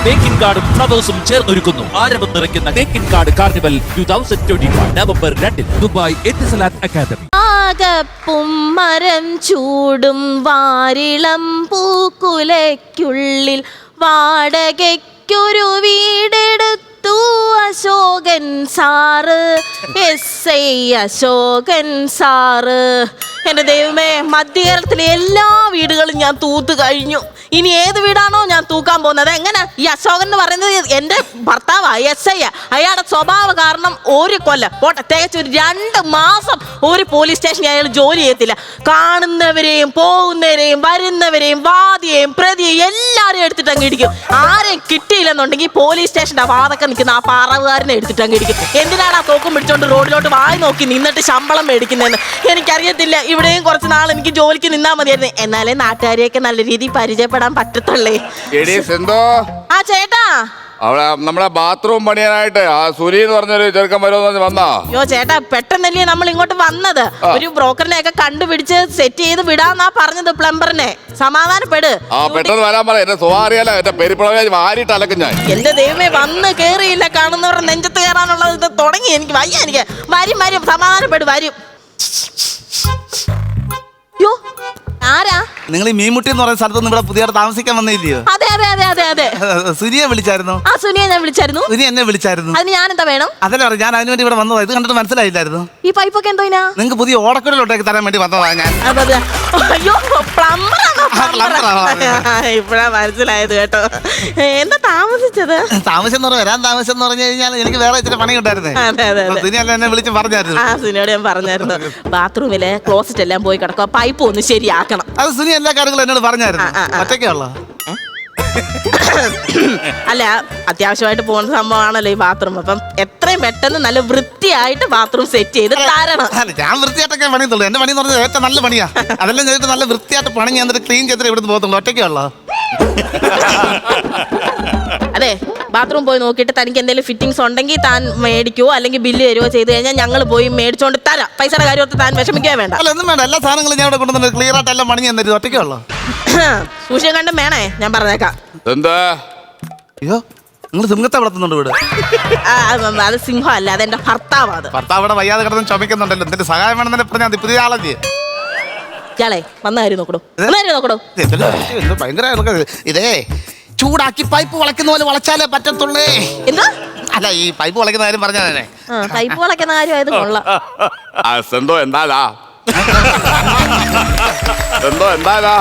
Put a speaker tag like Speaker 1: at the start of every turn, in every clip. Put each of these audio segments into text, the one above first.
Speaker 1: തേക്കിൻ കാർഡും ഫ്ലവേഴ്സും ചേർന്നൊരുക്കുന്നു ആരവം നിറയ്ക്കുന്ന തേക്കിൻ കാർഡ് carnival 2021 November 2 Dubai Etisalat academy.
Speaker 2: ആകപ്പും മരം ചൂടും വാരിളം പൂക്കുലയ്ക്കുള്ളിൽ വാടകയ്ക്കൊരു വീടെടുത്തു അശോകൻ സാറ്. SI അശോകൻ സാറ്. എന്റെ ദൈവമേ, മധ്യകേരളത്തിലെ എല്ലാ വീടുകളും ഞാൻ തൂത്ത് കഴിഞ്ഞു. ഇനി ഏത് വീടാണോ ഞാൻ തൂക്കാൻ പോകുന്നത്? എങ്ങനെ? ഈ അശോകൻ എന്ന് പറയുന്നത് എന്റെ ഭർത്താവാ, SI. അയാളുടെ സ്വഭാവ കാരണം ഒരു കൊല്ലം പോട്ടെ, തികച്ച് ഒരു 2 മാസം ഒരു പോലീസ് സ്റ്റേഷനിൽ അയാൾ ജോലി ചെയ്യത്തില്ല. കാണുന്നവരെയും പോകുന്നവരെയും വരുന്നവരെയും വാദിയെയും പ്രതിയെയും എല്ലാവരെയും എടുത്തിട്ട് അങ്ങ് ഇടിക്കും. ആരെയും കിട്ടിയില്ലെന്നുണ്ടെങ്കിൽ പോലീസ് സ്റ്റേഷന്റെ വാതൊക്കെ നിൽക്കുന്ന ആ പറവുകാരനെ എടുത്തിട്ട് അങ്ങ് ഇടിക്കും. എന്തിനാണ് ആ തോക്കും പിടിച്ചോണ്ട് റോഡിലോട്ട് വായി നോക്കി നിന്നിട്ട് ശമ്പളം മേടിക്കുന്നതെന്ന് എനിക്കറിയത്തില്ല. ഇവിടെയും കുറച്ച് നാൾ എനിക്ക് ജോലിക്ക് നിന്നാൽ മതിയായിരുന്നു. എന്നാലേ നാട്ടുകാരെയൊക്കെ നല്ല രീതിയിൽ പരിചയപ്പെടാൻ പറ്റത്തുള്ളേ. ആ ചേട്ടാ,
Speaker 3: അവിടെ നമ്മുടെ ബാത്റൂം പണിയാനായിട്ട് ആ സുനി എന്ന് പറഞ്ഞൊരു ചെറുക്കൻ വരുമെന്ന് വന്നാ?
Speaker 2: അയ്യോ ചേട്ടാ, പെട്ടെന്നല്ലേ നമ്മൾ ഇങ്ങോട്ട് വന്നത്. ഒരു ബ്രോക്കറിനെ ഒക്കെ കണ്ടുപിടിച്ച് സെറ്റ് ചെയ്ത് വിടാന്നാ പറഞ്ഞത്, പ്ലംബറിനെ. സമാധാനപ്പെട്.
Speaker 3: ആ പെട്ടെന്ന് വരാൻ പറ. എന്റെ സ്വകാര്യമല്ല, എന്റെ പെരിപ്പുഴ മാറിയിട്ട് അലക്കും ഞാൻ.
Speaker 2: എന്റെ ദൈവമേ, വന്ന് കേറിയില്ല, കാണുന്നവരുടെ നെഞ്ചത്ത് കയറാനുള്ളത് ഇത് തുടങ്ങി. എനിക്ക് വയ്യ. എനിക്ക് വരും സമാധാനപ്പെട്, വരും. യോ, ആരാ?
Speaker 4: നിങ്ങൾ ഈ മീൻമുട്ടി എന്ന് പറയുന്ന സ്ഥലത്തൊന്നും ഇവിടെ പുതിയതായിട്ട് താമസിക്കാൻ വന്നില്ലയോ?
Speaker 2: അതെ അതെ അതെ അതെ അതെ.
Speaker 4: സുനിയെ വിളിച്ചായിരുന്നു?
Speaker 2: ആ സുനിയെ ഞാൻ വിളിച്ചായിരുന്നു.
Speaker 4: സുനി എന്നെ വിളിച്ചായിരുന്നു.
Speaker 2: അതിന് ഞാൻ എന്താ വേണം?
Speaker 4: അതല്ല പറഞ്ഞു, ഞാൻ അതിന് വേണ്ടി ഇവിടെ വന്നതാ. ഇത് കണ്ടിട്ട് മനസ്സിലായില്ലായിരുന്നു.
Speaker 2: ഈ പൈപ്പൊക്കെ എന്തോ
Speaker 4: നിങ്ങൾക്ക് പുതിയ ഓടക്കുഴലോട്ടേക്ക് തരാൻ വേണ്ടി വന്നതാ ഞാൻ.
Speaker 2: അയ്യോ, പ്ലംബറാണോ? ഇപ്പഴാ മനസ്സിലായത് കേട്ടോ. എന്താ താമസിച്ചത്?
Speaker 4: താമസം എന്ന് പറഞ്ഞാൽ വരാൻ താമസം എന്ന് പറഞ്ഞു കഴിഞ്ഞാൽ എനിക്ക് വേറെ ഇച്ചിരി പണി ഉണ്ടായിരുന്നേ. സുനി അല്ല എന്നെ വിളിച്ച് പറഞ്ഞായിരുന്നു.
Speaker 2: ആ സുനിയോട് ഞാൻ പറഞ്ഞായിരുന്നു, ബാത്റൂമിലെ ക്ലോസറ്റ് എല്ലാം പോയി കിടക്കുക, പൈപ്പ് ഒന്ന് ശരിയാക്കണം.
Speaker 4: അത് സുനി എല്ലാ കാര്യങ്ങളും എന്നോട് പറഞ്ഞായിരുന്നു. ഒറ്റയ്ക്കുള്ള
Speaker 2: അല്ല, അത്യാവശ്യമായിട്ട് പോകുന്ന സംഭവമാണല്ലോ ഈ ബാത്റൂം. അപ്പം എത്രയും പെട്ടെന്ന് നല്ല വൃത്തിയായിട്ട് ബാത്റൂം സെറ്റ് ചെയ്ത് തരണം.
Speaker 4: ഞാൻ വൃത്തിയായിട്ടൊക്കെ പണിയുള്ളൂ. എന്റെ പണി എന്ന് പറഞ്ഞാൽ ഏറ്റവും നല്ല പണിയാ. അതെല്ലാം ചെയ്തിട്ട് നല്ല വൃത്തിയായിട്ട് പണി ഞാൻ ക്ലീൻ ചെയ്തിട്ട് ഇവിടുന്ന് പോകത്തുള്ളൂ. ഒറ്റയ്ക്കുള്ള
Speaker 2: അതെ, ബാത്റൂം പോയി നോക്കിയിട്ട് തനിക്ക് എന്തെങ്കിലും ഫിറ്റിംഗ്സ് ഉണ്ടെങ്കിൽ താൻ മേടിക്കുവോ അല്ലെങ്കിൽ ബില്ല് തരുവോ ചെയ്ത് കഴിഞ്ഞാൽ ഞങ്ങൾ പോയി മേടിച്ചോണ്ട് തരാം. പൈസയുടെ കാര്യമൊക്കെ താൻ വിഷമിക്കാൻ വേണ്ട.
Speaker 4: അല്ല, ഒന്നും വേണ്ട. എല്ലാ സാധനങ്ങളും ഞാൻ ഇവിടെ കൊണ്ടുവന്നു ക്ലിയർ ആയിട്ട് എല്ലാം പണി ഞാൻ തരും. ഒറ്റയ്ക്കുള്ള
Speaker 2: സൂക്ഷിക്കാൻ കണ്ടും വേണേ, ഞാൻ പറഞ്ഞേക്കാം.
Speaker 3: എന്താ?
Speaker 4: അയ്യോ, നിങ്ങൾ സിംഹത്തെ വളർത്തുന്നുണ്ട് ഇവിടെ?
Speaker 2: അത് സിംഹം അല്ല, അതെന്റെ ഭർത്താവാ. അത്
Speaker 4: ഭർത്താവ് ഇവിടെ വയ്യാതെ കിടന്ന് ചുമക്കുന്നുണ്ടല്ലോ. എന്തിന്റെ സഹായം വേണമെന്നെ പറഞ്ഞാൽ പുതിയ ആളല്ലേ
Speaker 2: ഇയാളെ? വന്ന കാര്യം നോക്കടോ.
Speaker 4: ഭയങ്കര ഇതേ ചൂടാക്കി പൈപ്പ് വളയ്ക്കുന്ന പോലെ വളച്ചാലേ പറ്റത്തുള്ളേ.
Speaker 2: എന്താ?
Speaker 4: അല്ല, ഈ പൈപ്പ് വളയ്ക്കുന്ന കാര്യം പറഞ്ഞാ തന്നെ.
Speaker 2: പൈപ്പ് വളയ്ക്കുന്ന കാര്യം ആയത് കൊള്ളാം.
Speaker 3: എന്തോ എന്താലാ എന്തോ എന്താലാ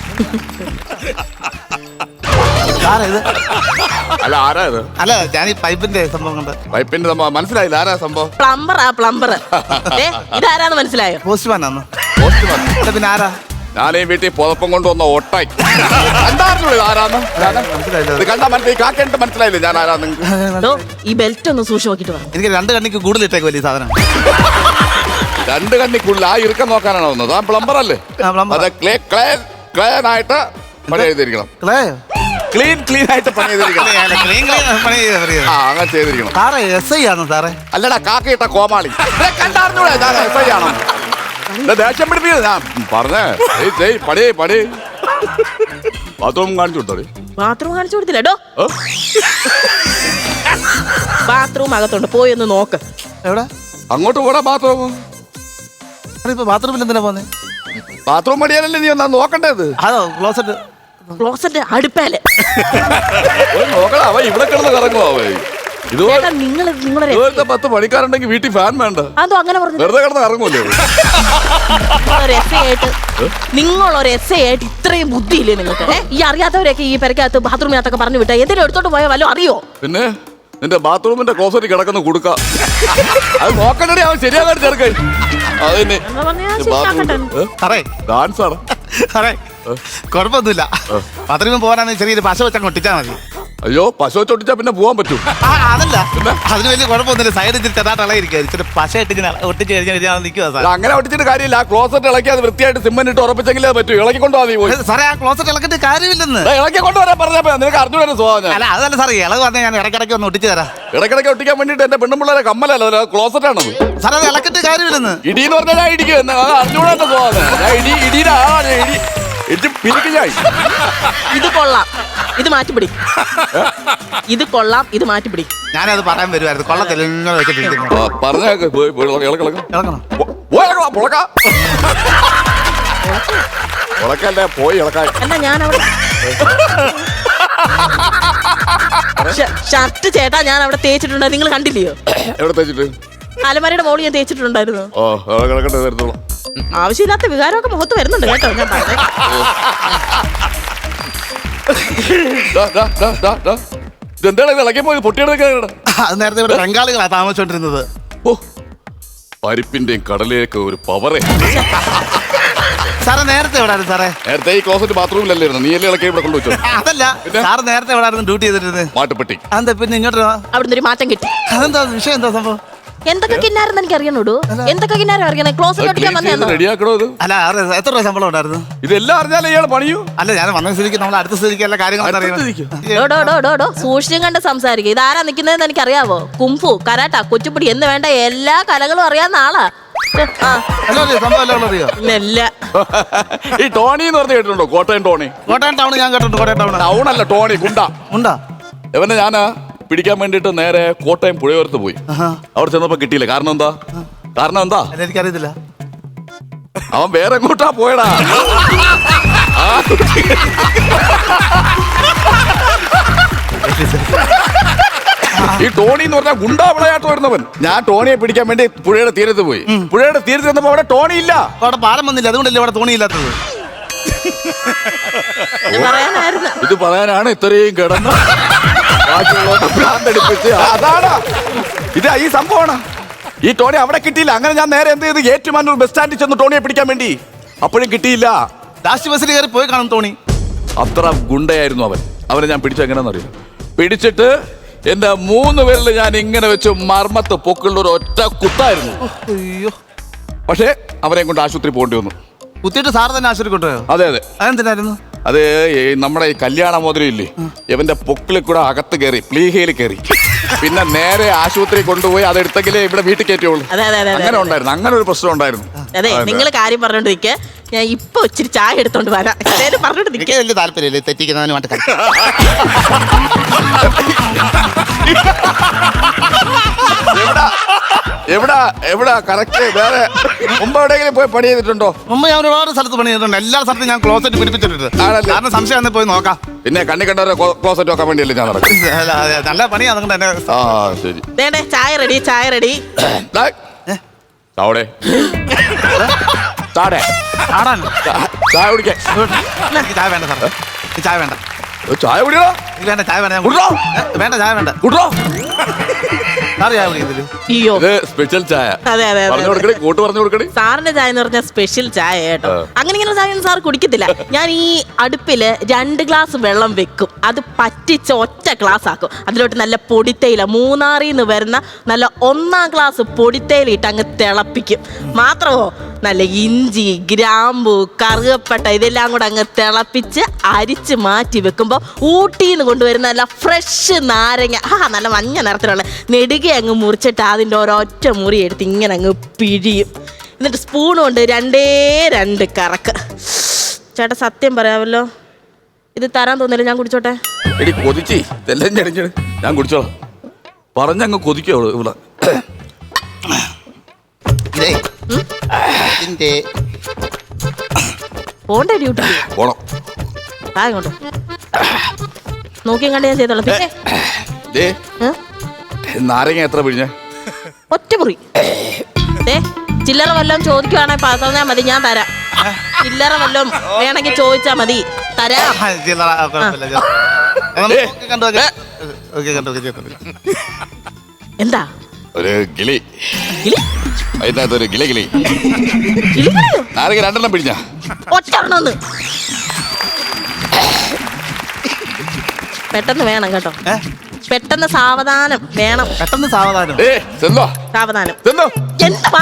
Speaker 3: അല്ല, ആരാ ഇത്?
Speaker 4: അല്ല, ഞാൻ ഈ പൈപ്പിന്റെ സംഭവം കൊണ്ട്.
Speaker 3: പൈപ്പിന്റെ സംഭവം മനസ്സിലായില്ല. ആരാ സംഭവം?
Speaker 2: പ്ലംബർ. ഇതാരാന്ന് മനസ്സിലായോ?
Speaker 4: പോസ്റ്റ്മാനാന്ന്. പിന്നെ ആരാ?
Speaker 3: ഞാൻ ഈ വീട്ടിൽ പുതപ്പം കൊണ്ടുവന്ന ഒട്ടായി. എന്തായിരുന്നു ഇത്? ആരാന്ന് ഇത് കണ്ടാ മനസ്സിലായി? കാക്കേണ്ട മനസ്സിലായില്ലേ ഞാൻ ആരാന്ന്?
Speaker 2: ഈ ബെൽറ്റ് ഒന്ന് സൂക്ഷിച്ച് നോക്കിട്ട് വാ.
Speaker 4: എനിക്ക് 2 കണ്ണിക്ക് കൂടുതൽ ഇട്ടേക്ക് വലിയ സാധനം.
Speaker 3: 2 കണ്ണിക്കുള്ളിൽ ആ ഇറുക്കം നോക്കാനാണ് വന്നത്. ആ പ്ലംബർ അല്ലേ? അതെ, ക്ലീൻ ആയിട്ട് പണി ചെയ്തിരിക്കണം. ക്ലീൻ ആയിട്ട് പണി ചെയ്തിരിക്കണം. അങ്ങനെ ചെയ്തിരിക്കണം.
Speaker 4: സാറേ SI ആണോ സാറേ?
Speaker 3: അല്ലടാ, കാക്കയിട്ട കോമാളി. കണ്ടാർന്നൂടെ ഞാൻ SI ആണോ? ദേഷ്യം പിടിപ്പിക്കുന്നത് ഞാൻ പറഞ്ഞേ. പണി ബാത്റൂം കാണിച്ചു കൊടുത്തോ?
Speaker 2: ബാത്റൂം കാണിച്ചു കൊടുത്തില്ലോ. ബാത്റൂം അകത്തുണ്ട്, പോയി ഒന്ന് നോക്ക്.
Speaker 4: എവിടെ?
Speaker 3: അങ്ങോട്ട് പോടാ ബാത്റൂം.
Speaker 4: ഇപ്പൊ ബാത്റൂമിൽ എന്തിനാ പോന്നെ?
Speaker 3: ബാത്റൂം പണിയാനല്ലേ നീ ഒന്നാ നോക്കണ്ടേത്?
Speaker 4: അതോ ക്ലോസറ്റ്
Speaker 2: അടുപ്പേല്
Speaker 3: നോക്കടാ. അവ ഇവിടെ കിടന്ന് കറങ്ങുവേ. ഇതുപോലെ
Speaker 2: നിങ്ങളൊരു
Speaker 3: 10 പണിക്കാരുണ്ടെങ്കിൽ വീട്ടിൽ ഫാൻ വേണ്ട.
Speaker 2: അതോ അങ്ങനെ പറഞ്ഞു?
Speaker 3: വെറുതെ കിടന്ന് ഇറങ്ങൂല്ലേ?
Speaker 2: നിങ്ങളൊരു SI ആയിട്ട് ഇത്രയും ബുദ്ധിയില്ലേ നിങ്ങൾക്ക്? ഈ അറിയാത്തവരൊക്കെ ഈ പെരക്കകത്ത് ബാത്റൂമിനകത്തൊക്കെ പറഞ്ഞു വിട്ടാ എന്തെങ്കിലും എടുത്തോട്ട് പോയാൽ വല്ലതും അറിയോ? പിന്നെ
Speaker 3: നിന്റെ ബാത്റൂമിന്റെ ക്ലോസറ്റ് കിടക്കുന്ന കൊടുക്ക. അത് നോക്കണ്ടേ, അവൻ ശരിയാകാൻ ചേർക്കേ. അതിന് ഡാൻസ് ആണ്.
Speaker 4: കുഴപ്പമൊന്നുമില്ല. ബാത്റൂമിൽ പോകാനാണ് ചെറിയൊരു പശ വെച്ചാൽ ഒട്ടിച്ചാൽ മതി.
Speaker 3: അയ്യോ, പശു വെച്ചൊട്ടിച്ചാ പിന്നെ പോവാൻ പറ്റും?
Speaker 4: അതല്ല, അതിന് വലിയ കുഴപ്പമൊന്നുമില്ല. സൈഡിൽ ചെറുതായിട്ട് ഇളയിരിക്കും. ഇച്ചിരി പശ ഇട്ട് ഒട്ടിച്ച് കഴിഞ്ഞാൽ നിൽക്കുക.
Speaker 3: അങ്ങനെ ഒട്ടിച്ചിട്ട് കാര്യമില്ല. ആ ക്ലോസറ്റ് ഇളക്കി അത് വൃത്തിയായിട്ട് സിമെന്റ് ഇട്ട് ഉറപ്പിച്ചെങ്കിലേ പറ്റൂ. ഇളക്കി കൊണ്ടുപോകാൻ
Speaker 4: സാറേ, ആ ക്ലോസറ്റ് ഇളക്കിട്ട് കാര്യമില്ലെന്ന്.
Speaker 3: ഇളക്കി കൊണ്ടുവരാൻ പറഞ്ഞപ്പോ നിനക്ക് അറിഞ്ഞൂടെ സ്വഭാവം?
Speaker 4: അല്ല, അതല്ല സാറേ, ഇളവ് പറഞ്ഞാൽ ഞാൻ ഇടയ്ക്കിടയ്ക്ക് ഒന്ന് ഒട്ടിച്ച് തരാം.
Speaker 3: ഇടയ്ക്കിടയ്ക്ക് ഒട്ടിക്കാൻ വേണ്ടിട്ട് എന്റെ പെണ്ണുമ്പിള്ളേരെ കമ്മലല്ലോ, ക്ലോസറ്റ് ആണത്.
Speaker 4: സാറേ, അത് ഇളക്കിട്ട് കാര്യമില്ലെന്ന്.
Speaker 3: ഇടിന്ന് പറഞ്ഞാൽ ഞാൻ ഇടിക്കും. അറിഞ്ഞൂടെ എന്റെ സ്വഭാവം. ഞാൻ ഇടിയുടെ ആളാണ്. ഇടി പിരിക്കും ഞാൻ.
Speaker 2: ഇത് കൊള്ളാം. ഇത് മാറ്റിപ്പിടി. ഇത് കൊള്ളാം, ഇത് മാറ്റിപ്പിടി.
Speaker 4: ഞാനത് പറയാൻ വരുമായിരുന്നു. കൊള്ളത്തില്ല ഇങ്ങനെ വെച്ചിട്ടിരിക്കുന്നു.
Speaker 3: പറഞ്ഞേക്ക്
Speaker 4: ഇളക്കണം.
Speaker 3: ഉളക്കല്ലേ പോയി ഇളക്കാൻ.
Speaker 2: എന്നാ ഞാൻ അവിടെ ഷർട്ട് ചേട്ടാ ഞാൻ അവിടെ തേച്ചിട്ടുണ്ട്, നിങ്ങൾ കണ്ടില്ലയോ?
Speaker 3: എവിടെ തേച്ചിട്ട്?
Speaker 2: അലമാരയുടെ മോള് ഞാൻ തേച്ചിട്ടുണ്ടായിരുന്നു.
Speaker 3: ഓ ഇളക്കട്ടെ തരത്തോളാം.
Speaker 2: ആവശ്യമില്ലാത്ത വികാരമൊക്കെ മുഖത്ത് വരുന്നുണ്ട് കേട്ടോ. ഞാൻ
Speaker 3: ഇതെന്താണ് ഇത് ഇളക്കി പോയത്? പൊട്ടിയെടുക്കാൻ
Speaker 4: അത് നേരത്തെ ഇവിടെ ബംഗാളികളാണ് താമസിച്ചോണ്ടിരുന്നത്.
Speaker 3: ഓ പരിപ്പിന്റെയും കടലയൊക്കെ ഒരു പവറേ.
Speaker 4: സാറേ നേരത്തെ എവിടായിരുന്നു സാറേ?
Speaker 3: നേരത്തെ ഈ ക്ലോസറ്റ് ബാത്റൂമിലല്ലായിരുന്നു, നീ എല്ലാം ഇളക്കി ഇവിടെ കൊണ്ടുവച്ചോ?
Speaker 4: അതല്ല സാറ് നേരത്തെ എവിടായിരുന്നു ഡ്യൂട്ടി ചെയ്തിരുന്നത്?
Speaker 3: മാട്ടുപ്പെട്ടി.
Speaker 4: അതെന്താ പിന്നെ ഇങ്ങോട്ട്
Speaker 2: അവിടുന്ന് ഒരു മാറ്റം കിട്ടി.
Speaker 4: അതെന്താ വിഷയം? എന്താ സംഭവം?
Speaker 2: എന്തൊക്കെ കിന്നാരെന്ന് എനിക്ക് അറിയണോടൂ. എന്തൊക്കെ കിന്നാരം അറിയണേ? ക്ലോസറ്റ് ഒട്ടിക്കാൻ വന്നേന്നോ?
Speaker 3: റെഡിയാക്കണോ ഇത്?
Speaker 4: അല്ല എത്ര രൂപ ശമ്പളം ഉണ്ടായിരുന്നു?
Speaker 3: ഇതെല്ലാം അറിഞ്ഞാലേ ഇയാൾ പണിയൂ.
Speaker 4: അല്ല ഞാൻ വന്ന സ്ഥിതിക്ക് നമ്മൾ അടുത്ത സ്ഥിതിക്ക് എല്ലാ കാര്യങ്ങളും അറിയണം.
Speaker 2: സൂക്ഷിച്ചും കണ്ട് സംസാരിക്കുക. ഇതാരാ നിൽക്കുന്നതെന്ന് എനിക്ക് അറിയാവോ? കുംഫു, കരാട്ട, കൊച്ചുപിടി എന്ന് വേണ്ട എല്ലാ കലകളും അറിയാവുന്ന ആളാ. ഇല്ല.
Speaker 3: ഈ ടോണി എന്ന് പറഞ്ഞ് കേട്ടിട്ടുണ്ടോ? കോട്ടയം ടോണി.
Speaker 4: കോട്ടയം ടൗൺ ഞാൻ കേട്ടിട്ടുണ്ട്. കോട്ടയം ടൗൺ
Speaker 3: ടൗൺ അല്ല, ടോണി
Speaker 4: ഉണ്ടാ.
Speaker 3: ഇവനെ ഞാന് പിടിക്കാൻ വേണ്ടിട്ട് നേരെ കോട്ടയം പുഴയോരത്ത് പോയി. അവിടെ ചെന്നപ്പോ കിട്ടിയില്ല. കാരണം എന്താ?
Speaker 4: എനിക്കറിയത്തില്ല.
Speaker 3: അവൻ വേറെ എങ്ങോട്ടാ പോയടാ. ഈ ടോണി എന്ന് പറഞ്ഞാൽ ഗുണ്ടാ വിളയാട്ട് വരുന്നവൻ. ഞാൻ ടോണിയെ പിടിക്കാൻ വേണ്ടി പുഴയുടെ തീരത്ത് പോയി. പുഴയുടെ തീരത്ത് ചെന്നപ്പോ അവിടെ ടോണി ഇല്ല.
Speaker 4: അവിടെ പാലം വന്നില്ല, അതുകൊണ്ടല്ലേ അവിടെ തോണിയില്ലാത്തത്.
Speaker 3: ഇത് പറയാനാണ് ഇത്രയും കിടന്ന് അതാണ് ഇത്. ഈ സംഭവമാണ്. ഈ ടോണി അവിടെ കിട്ടിയില്ല. അങ്ങനെ ഞാൻ നേരെ എന്ത് ചെയ്ത് ഏറ്റുമാനൂർ ബസ് സ്റ്റാൻഡിൽ ചെന്ന് ടോണിയെ പിടിക്കാൻ വേണ്ടി. അപ്പോഴും കിട്ടിയില്ല.
Speaker 4: ലാസ്റ്റ് ബസ്സിൽ കയറി പോയി കാണും ടോണി.
Speaker 3: അത്ര ഗുണ്ടയായിരുന്നു അവൻ. അവനെ ഞാൻ പിടിച്ച എങ്ങനെയാണെന്നറിയാം. പിടിച്ചിട്ട് എന്റെ 3 പേരിൽ ഞാൻ ഇങ്ങനെ വെച്ച് മർമ്മത്ത് പൊക്കുള്ള ഒരു ഒറ്റ കുത്തായിരുന്നു.
Speaker 4: അയ്യോ.
Speaker 3: പക്ഷേ അവനെ കൊണ്ട് ആശുപത്രി പോകേണ്ടി വന്നു.
Speaker 4: കുത്തിയിട്ട് സാർ തന്നെ ആശുപത്രി കൊണ്ടുപോയോ?
Speaker 3: അതെ അതെ.
Speaker 4: അതെന്തിനായിരുന്നു?
Speaker 3: അത് നമ്മുടെ ഈ കല്യാണ മോതിരം ഇല്ലേ, ഇവന്റെ പൊക്കിളിൽ കൂടെ അകത്ത് കയറി, പ്ലീഹയിൽ കയറി. പിന്നെ നേരെ ആശുപത്രി കൊണ്ടുപോയി അതെടുത്തെങ്കിലേ ഇവിടെ വീട്ടിൽ കയറ്റുള്ളൂ. അങ്ങനെ ഉണ്ടായിരുന്നു. അങ്ങനെ ഒരു പ്രശ്നം ഉണ്ടായിരുന്നു.
Speaker 2: അതെ, നിങ്ങൾ കാര്യം പറഞ്ഞോണ്ടിരിക്കെ ഞാൻ ഇപ്പൊ ഇച്ചിരി ചായ എടുത്തോണ്ട് വരാം. പറഞ്ഞോണ്ട്
Speaker 4: വലിയ താല്പര്യമില്ല തെറ്റിക്കുന്നതിന് വേണ്ടി.
Speaker 3: എവിടാ കറക്റ്റ്? വേറെ മുമ്പ് എവിടെയെങ്കിലും പോയി പണി ചെയ്തിട്ടുണ്ടോ?
Speaker 4: മുമ്പ് ഞാൻ ഒരുപാട് സ്ഥലത്ത് പണി ചെയ്തിട്ടുണ്ട്. എല്ലാ സ്ഥലത്തും ഞാൻ ക്ലോസറ്റ് പിടിപ്പിച്ചിട്ടുണ്ട്. കാരണം സംശയം പോയി നോക്കാം.
Speaker 3: പിന്നെ കണ്ണി കണ്ടവരെ ക്ലോസറ്റ് നോക്കാൻ വേണ്ടിയല്ലേ ഞാൻ നടക്കും.
Speaker 4: നല്ല പണിയാ. അതുകൊണ്ട് തന്നെ
Speaker 3: ശരി.
Speaker 2: ചായ റെഡി, ചായ റെഡി.
Speaker 3: ചാവടെ ചായ കുടിക്കാൻ.
Speaker 4: ചായ വേണ്ട സാർ, ചായ വേണ്ട.
Speaker 3: ചായ കുടിയോ?
Speaker 4: വേണ്ട ചായ വേണ്ട. വേണ്ട ചായ വേണ്ട.
Speaker 3: സ്പെഷ്യൽ ചായ.
Speaker 2: അതെ അതെ
Speaker 3: കൂട്ട് പറഞ്ഞു കൊടുക്കണേ.
Speaker 2: സാറിന്റെ ചായ എന്ന് പറഞ്ഞാൽ സ്പെഷ്യൽ ചായ കേട്ടോ. അങ്ങനെ ഇങ്ങനെ ചായ സാർ കുടിക്കത്തില്ല. ഞാൻ ഈ അടുപ്പില് 2 ഗ്ലാസ് വെള്ളം വെക്കും. അത് പറ്റിച്ച് ഒറ്റ ഗ്ലാസ് ആക്കും. അതിലോട്ട് നല്ല പൊടിത്തേയില, മൂന്നാറിന്ന് വരുന്ന നല്ല 1-ാം ക്ലാസ് പൊടിത്തേയില ഇട്ട് അങ്ങ് തിളപ്പിക്കും. മാത്രമോ നല്ല ഇഞ്ചി, ഗ്രാമ്പു, കറുകപ്പട്ട ഇതെല്ലാം കൂടെ അങ്ങ് തിളപ്പിച്ച് അരിച്ച് മാറ്റി വെക്കുമ്പോൾ ഊട്ടിന്ന് കൊണ്ടുവരുന്ന നല്ല ഫ്രഷ് നാരങ്ങ, നല്ല മഞ്ഞ നിറത്തിലുള്ള നെടുക അങ്ങ് മുറിച്ചിട്ട് അതിൻ്റെ ഒരൊറ്റ മുറി എടുത്ത് ഇങ്ങനെ അങ്ങ് പിഴിയും. എന്നിട്ട് സ്പൂൺ കൊണ്ട് 2 കറക്ക്. ചേട്ടാ സത്യം പറയാമല്ലോ, ഇത് തരാൻ തോന്നില്ല. ഞാൻ കുടിച്ചോട്ടെ?
Speaker 3: കൊതിച്ചി ഞാൻ കുടിച്ചോളാം. പറഞ്ഞങ്ങ് കൊതിക്കോ ഇവിടെ.
Speaker 2: പോണ്ടേ ഡ്യൂട്ടി?
Speaker 3: പോണം.
Speaker 2: ഇങ്ങോട്ട് നോക്കിയും കണ്ട് ഞാൻ ചെയ്തോളാം. പിന്നെ
Speaker 3: നാരങ്ങ എത്ര പിഴിഞ്ഞ?
Speaker 2: ഒറ്റ മുറി. ചില്ലറ വല്ലതും ചോദിക്കുവാണെങ്കിൽ പറഞ്ഞാൽ മതി, ഞാൻ തരാം. ചില്ലറ വല്ലതും വേണമെങ്കിൽ ചോദിച്ചാ മതി, തരാം. എന്താ?
Speaker 3: ഒരു ഗിളി. അതിനകത്തൊരു ഗിളി. നാരങ്ങ 2 പിഴിഞ്ഞ?
Speaker 2: ഒറ്റ പെട്ടെന്ന് വേണം കേട്ടോ. പെട്ടെന്ന് സാവധാനം വേണം.
Speaker 4: പെട്ടെന്ന് സാവധാനം.
Speaker 2: സാവധാനം. എന്താ?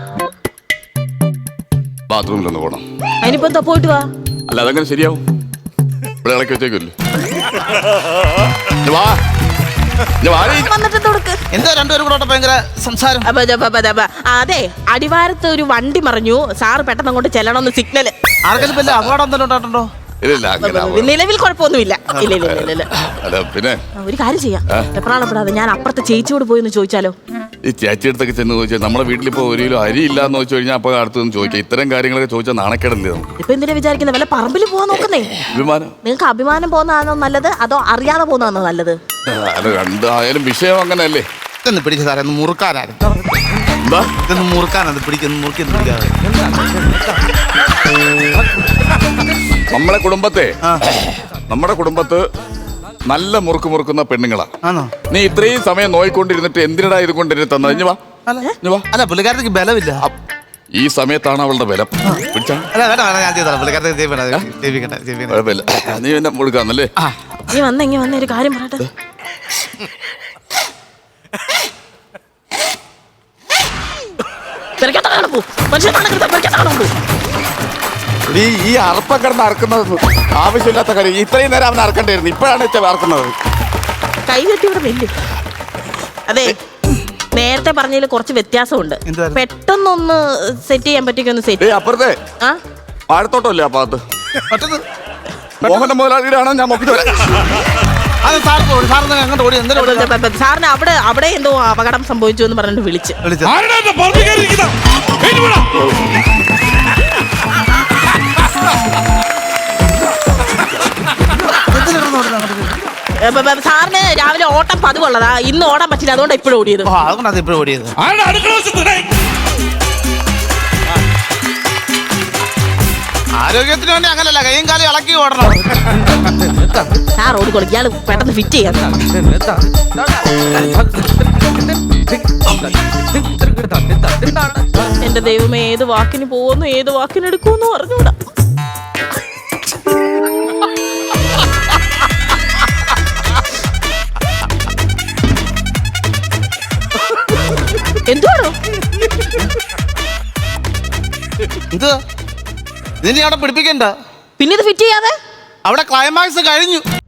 Speaker 3: ബാത്റൂമിലൊന്ന് പോണം.
Speaker 2: അതിനിപ്പോ എന്താ? പോയിട്ട് വാ.
Speaker 3: അല്ല അതങ്ങനെ ശരിയാവും. ഇവിടെ ഇളക്കി വെച്ചേക്കല്ലേ.
Speaker 4: എന്താ 2 പേരും കൂടെ ഭയങ്കര സംസാരം?
Speaker 2: അതെ, അടിവാരത്ത് ഒരു വണ്ടി മറിഞ്ഞു. സാറ് പെട്ടെന്ന് അങ്ങോട്ട് ചെല്ലണമെന്ന് സിഗ്നല്.
Speaker 4: ആർക്കെങ്കിലും അപകടം എന്തെങ്കിലും ഉണ്ടായിട്ടുണ്ടോ?
Speaker 3: ഇല്ല അങ്ങനെ
Speaker 2: നിലവിൽ കുഴപ്പമൊന്നുമില്ല. ഇല്ല ഇല്ല ഇല്ല ഇല്ല.
Speaker 3: അല്ല പിന്നെ
Speaker 2: ഒരു കാര്യം ചെയ്യാം, എപ്പോഴാണപ്പെടാതെ ഞാൻ അപ്പുറത്തെ ചേച്ചിയോട് പോയി ഒന്ന് ചോദിച്ചാലോ?
Speaker 3: ഈ ചേച്ചി അടുത്തൊക്കെ ചെന്ന് ചോദിച്ചാൽ നമ്മുടെ വീട്ടിലിപ്പോ 1 കിലോ അരി ഇല്ലാന്ന് വെച്ച് കഴിഞ്ഞാൽ അപ്പൊ അടുത്ത് ചോദിക്കാം. ഇത്തരം കാര്യങ്ങളൊക്കെ ചോദിച്ചാൽ നാണക്കേടല്ലേ?
Speaker 2: ഇപ്പൊ എന്തിനാ വിചാരിക്കുന്നത്? വല്ല പറമ്പിൽ പോവാൻ നോക്കുന്നേ.
Speaker 3: അഭിമാനം.
Speaker 2: നിങ്ങൾക്ക് അഭിമാനം പോകുന്നതാണോ നല്ലത്, അതോ അറിയാതെ പോകുന്നതാണോ നല്ലത്?
Speaker 3: അല്ല രണ്ടായാലും വിഷയം അങ്ങനെയല്ലേ.
Speaker 4: ഇതൊന്ന് പിടിച്ച സാറേ, ഒന്ന് മുറുക്കാനായിരുന്നു.
Speaker 3: എന്താ
Speaker 4: ഇതൊന്ന് മുറുക്കാനത് പിടിക്കുന്നു, മുറുക്കി പിടിക്കാതെ.
Speaker 3: നമ്മുടെ കുടുംബത്ത് നല്ല മുറുക്കുന്ന പെണ്ണുങ്ങളാ.
Speaker 4: ആണോ?
Speaker 3: നീ ഇത്രയും സമയം നോയിക്കൊണ്ടിരുന്നിട്ട് എന്തിനടാ ഇത് കൊണ്ടിരുന്ന് തന്നത്? ഇഞ്ഞു വാ.
Speaker 4: അല്ല പുള്ളിക്കാരത്തേക്ക് ബലമില്ല.
Speaker 3: ഈ സമയത്താണ് അവളുടെ ബലം. പിടിച്ചാ
Speaker 4: അല്ല വേണ്ട വേണ്ട, ഞാൻ ചെയ്തോളാം. പുള്ളിക്കാരത്തേക്ക്
Speaker 3: കുഴപ്പമില്ല. നീ എന്നെ മുഴുക്കാന്നല്ലേ?
Speaker 2: നീ വന്ന ഒരു കാര്യം പറയട്ടെ.
Speaker 3: ഈ അറപ്പക്കിടന്ന് അറക്കുന്നത് ആവശ്യമില്ലാത്ത കാര്യം. ഇത്രയും നേരം അവൻ അറക്കണ്ടായിരുന്നു, ഇപ്പോഴാണ് അറക്കുന്നത്.
Speaker 2: കൈ കെട്ടി ഇവിടെ വെല്ലും. അതെ, നേരത്തെ പറഞ്ഞതിൽ കുറച്ച് വ്യത്യാസമുണ്ട്. പെട്ടെന്നൊന്ന് സെറ്റ് ചെയ്യാൻ പറ്റിയൊന്ന് സെറ്റ്.
Speaker 3: അപ്പുറത്തെ
Speaker 2: ആ
Speaker 3: വാഴത്തോട്ടമല്ലേ ആ ഭാഗത്ത്? മോഹന്റെ മുതലാളിയുടെ ആണോ? ഞാൻ നോക്കിട്ട് വരാം.
Speaker 2: സാറിന് അവിടെ എന്തോ അപകടം സംഭവിച്ചു എന്ന് പറഞ്ഞിട്ട് വിളിച്ച്. സാറിന് രാവിലെ ഓട്ടം പതിവുള്ളതാ, ഇന്ന് ഓടാൻ പറ്റില്ല, അതുകൊണ്ട് ഇപ്പോഴും ഓടിയത്.
Speaker 4: അതുകൊണ്ടാണ് ഇപ്പോഴും ഓടിയത്. ആരോഗ്യത്തിന് വേണ്ടി അങ്ങനല്ല, കൈയും കാലും ഇളക്കി ഓടണം.
Speaker 2: സാർ ഓടിക്കോളും, ഇയാൾ പെട്ടെന്ന് ഫിറ്റ് ചെയ്യാം. എന്റെ ദൈവമേ, ഏത് വാക്കിന് പോകുന്നു ഏത് വാക്കിന് എടുക്കുമെന്ന് പറഞ്ഞൂടാ. എന്തുവാണോ
Speaker 4: ഇത്? ഇതിനെ അവിടെ പിടിപ്പിക്കണ്ട.
Speaker 2: പിന്നെ ഇത് ഫിറ്റ് ചെയ്യാതെ
Speaker 4: അവിടെ ക്ലൈമാക്സ് കഴിഞ്ഞു.